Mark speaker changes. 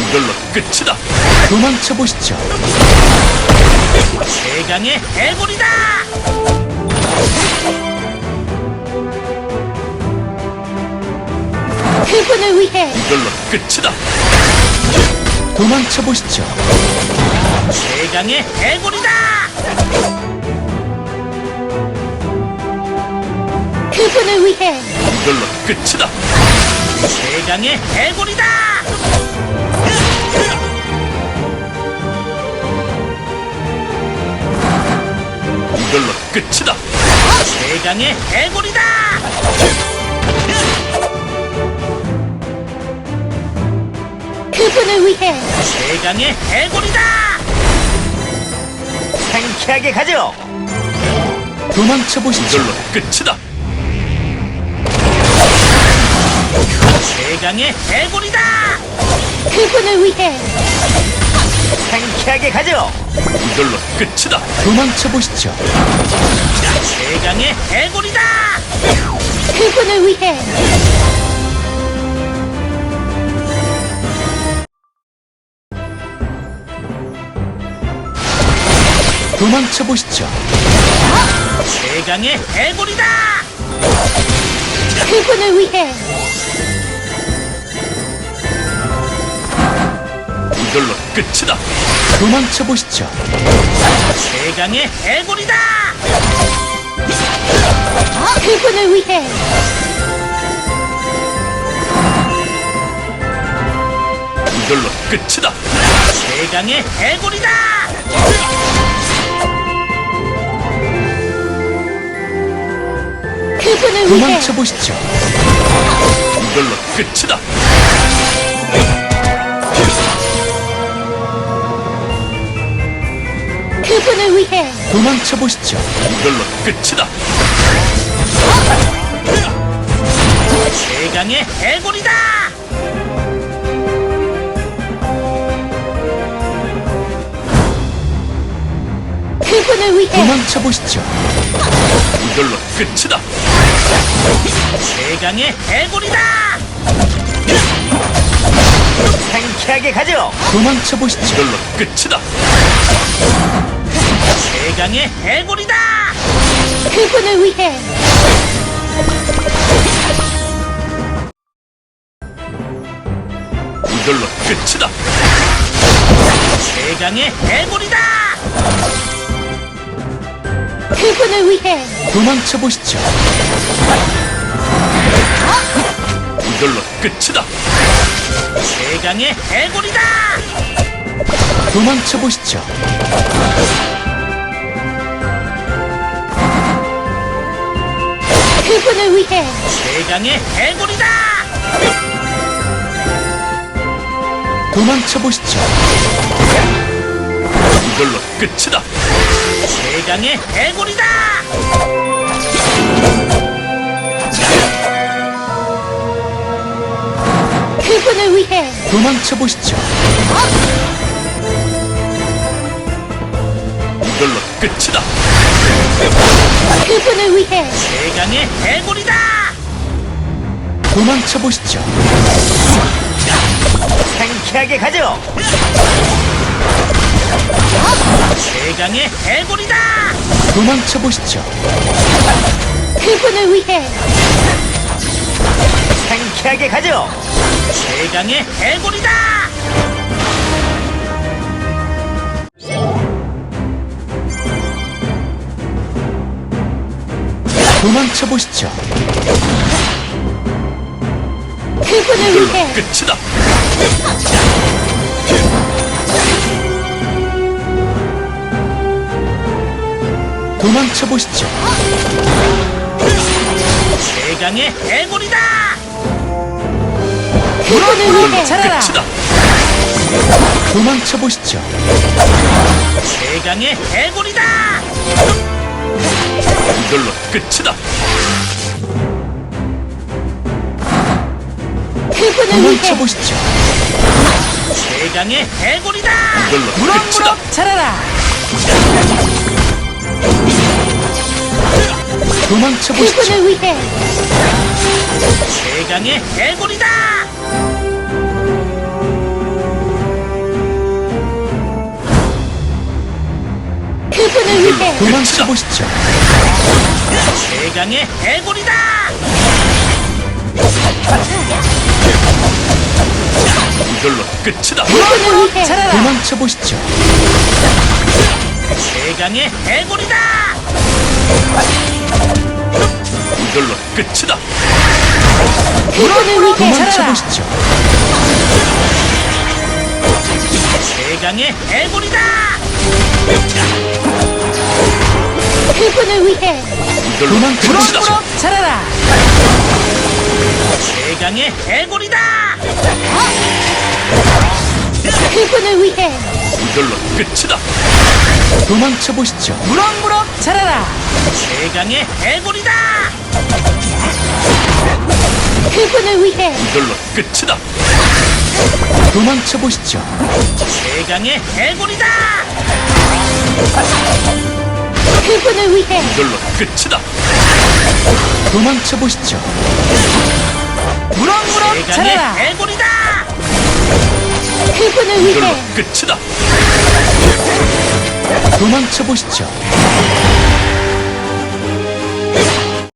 Speaker 1: 이걸로 끝이다.
Speaker 2: 도망쳐 보시죠.
Speaker 3: 최강의 해골이다.
Speaker 4: 그분을 위해
Speaker 1: 이걸로 끝이다.
Speaker 2: 도망쳐 보시죠.
Speaker 3: 최강의 해골이다.
Speaker 4: 그분을 위해
Speaker 1: 이걸로 끝이다.
Speaker 3: 최강의 해골이다.
Speaker 1: 이걸로 끝이다.
Speaker 3: 최강의 해골이다.
Speaker 4: 그분을 위해
Speaker 3: 최강의 해골이다.
Speaker 5: 상쾌하게 가죠.
Speaker 2: 도망쳐 보시죠.
Speaker 1: 이걸로 끝이다.
Speaker 3: 최강의 해골이다.
Speaker 4: 그분을 위해
Speaker 5: 상쾌하게 가죠.
Speaker 1: 이걸로 끝이다.
Speaker 2: 도망쳐 보시죠.
Speaker 3: 최강의 해골이다.
Speaker 4: 그분을 위해
Speaker 2: 도망쳐 보시죠.
Speaker 3: 최강의 해골이다.
Speaker 4: 그분을 위해
Speaker 1: 이걸로 끝이다.
Speaker 2: 도망쳐 보시죠.
Speaker 3: 최강의 해골이다.
Speaker 4: 그분을 위해
Speaker 1: 이걸로 끝이다.
Speaker 3: 최강의 해골이다.
Speaker 4: 그분을 위해
Speaker 2: 도망쳐 보시죠.
Speaker 1: 이걸로 끝이다.
Speaker 4: 그분을 위해
Speaker 2: 도망쳐 보시죠.
Speaker 1: 이걸로 끝이다.
Speaker 3: 최강의 해골이다.
Speaker 4: 그분을 위해
Speaker 2: 도망쳐 보시죠.
Speaker 1: 이걸로 끝이다.
Speaker 3: 최강의 해골이다.
Speaker 5: 상쾌하게 가죠.
Speaker 2: 도망쳐 보시죠.
Speaker 1: 이걸로 끝이다.
Speaker 3: 최강의 해골이다.
Speaker 4: 그분을 위해
Speaker 1: 이걸로 끝이다.
Speaker 3: 최강의 해골이다.
Speaker 4: 그분을 위해
Speaker 2: 도망쳐 보시죠.
Speaker 1: 이걸로 끝이다.
Speaker 3: 최강의 해골이다.
Speaker 2: 도망쳐 보시죠.
Speaker 4: 그분을 위해
Speaker 3: 최강의 해골이다.
Speaker 2: 도망쳐 보시죠.
Speaker 1: 이걸로 끝이다.
Speaker 3: 최강의 해골이다.
Speaker 4: 그분을 위해
Speaker 2: 도망쳐 보시죠.
Speaker 1: 이걸로 끝이다.
Speaker 4: 그분을 위해
Speaker 3: 최강의 해골이다.
Speaker 2: 도망쳐 보시죠.
Speaker 5: 상쾌하게 가죠.
Speaker 3: 최강의 해골이다.
Speaker 2: 도망쳐 보시죠.
Speaker 4: 그분을 위해
Speaker 5: 상쾌하게 가죠.
Speaker 3: 최강의 해골이다.
Speaker 2: 도망쳐 보시죠.
Speaker 4: 그분을
Speaker 1: 이걸로
Speaker 4: 위해
Speaker 1: 끝이다.
Speaker 2: 도망쳐 보시죠.
Speaker 3: 최강의 해골이다.
Speaker 4: 그분을
Speaker 1: 이걸로
Speaker 4: 위해
Speaker 1: 끝이다.
Speaker 2: 도망쳐 보시죠.
Speaker 3: 최강의 해골이다.
Speaker 1: 이걸로 끝이다.
Speaker 4: 그분을
Speaker 2: 도망쳐
Speaker 4: 위해
Speaker 2: 보시죠.
Speaker 3: 최강의 해골이다.
Speaker 1: 이걸로 끝이다.
Speaker 5: 차라라.
Speaker 2: 도망쳐 보시죠.
Speaker 4: 그분을 위해
Speaker 3: 최강의 해골이다.
Speaker 4: 그분을 위해
Speaker 2: 도망쳐 보시죠.
Speaker 3: 최강의 해골이다.
Speaker 1: 이걸로 끝이다.
Speaker 4: 그분을 위해
Speaker 2: 도망쳐 보시죠.
Speaker 3: 최강의 해골이다.
Speaker 1: 이걸로 끝이다.
Speaker 4: 그분을 위해
Speaker 2: 도망쳐 보시죠.
Speaker 3: 최강의 해골이다.
Speaker 4: 그분을 위해
Speaker 1: 이걸로
Speaker 2: 도망쳐
Speaker 1: 끝이다.
Speaker 2: 보시죠.
Speaker 3: 최강의 해골이다.
Speaker 4: 그분을 위해
Speaker 1: 이걸로 끝이다.
Speaker 2: 도망쳐 보시죠.
Speaker 3: 최강의 해골이다.
Speaker 4: 그분을 위해
Speaker 1: 이걸로 끝이다.
Speaker 2: 도망쳐 보시죠.
Speaker 3: 최강의 해골이다.
Speaker 4: 그분을 위해
Speaker 1: 이걸로 끝이다.
Speaker 2: 도망쳐 보시죠.
Speaker 3: 최강의 해골이다.
Speaker 4: 그분을
Speaker 1: 이걸로
Speaker 4: 위해
Speaker 1: 끝이다.
Speaker 2: 도망쳐 보시죠.